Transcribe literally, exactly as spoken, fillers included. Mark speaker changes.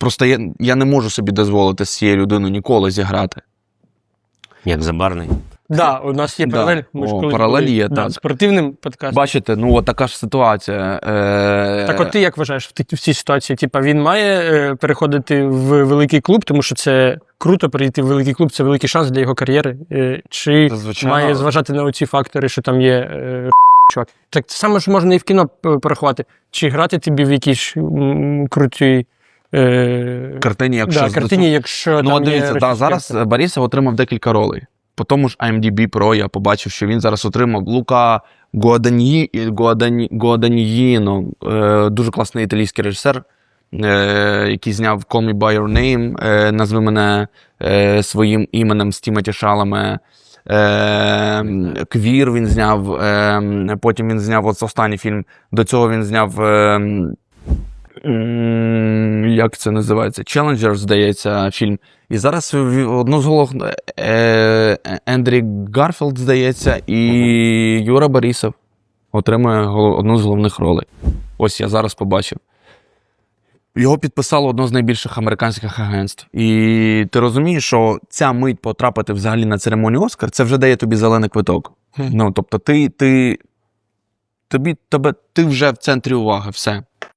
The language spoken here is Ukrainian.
Speaker 1: Просто я, я не можу собі дозволити з цією людиною ніколи зіграти.
Speaker 2: Як Забарний.
Speaker 3: Так, да, у нас є
Speaker 1: Да.
Speaker 3: паралель. Ми ж
Speaker 1: О,
Speaker 3: колись
Speaker 1: паралель
Speaker 3: були
Speaker 1: є,
Speaker 3: над
Speaker 1: так.
Speaker 3: спортивним подкастом.
Speaker 1: Бачите, ну от така ж ситуація. Е...
Speaker 3: Так от ти як вважаєш в, ті- в цій ситуації? Типа він має е, переходити в великий клуб, тому що це круто перейти в великий клуб, це великий шанс для його кар'єри. Е, чи
Speaker 1: Звичайно.
Speaker 3: має зважати на оці фактори, що там є е, чувак? Так саме ж можна і в кіно п- порахувати. Чи грати тобі в якійсь м, крутій е,
Speaker 1: Картині, якщо
Speaker 3: да,
Speaker 1: з-
Speaker 3: картині, якщо
Speaker 1: Ну,
Speaker 3: там
Speaker 1: от дивіться,
Speaker 3: є
Speaker 1: да, зараз Борисов отримав декілька ролей. По тому ж ай ем ді бі Pro я побачив, що він зараз отримав Лука Гуаданьї, Гуадані, Гуаданьїно, е, дуже класний італійський режисер, е, який зняв Call Me By Your Name, е, назви мене е, своїм іменем з Тімоті Шаламе. Е, Квір він зняв, е, потім він зняв от останній фільм, до цього він зняв... Е, М, як це називається? Challenger, здається, фільм. І зараз в- одну з голов е, Ендрі Гарфілд, здається, і Юра Борисов отримує голов- одну з головних ролей. Ось я зараз побачив. Його підписало одно з найбільших американських агентств. І ти розумієш, що ця мить потрапити взагалі на церемонію Оскар, це вже дає тобі зелений квиток.
Speaker 3: Хм.
Speaker 1: Ну, тобто ти, ти, тобі, тебе, ти вже в центрі уваги, все.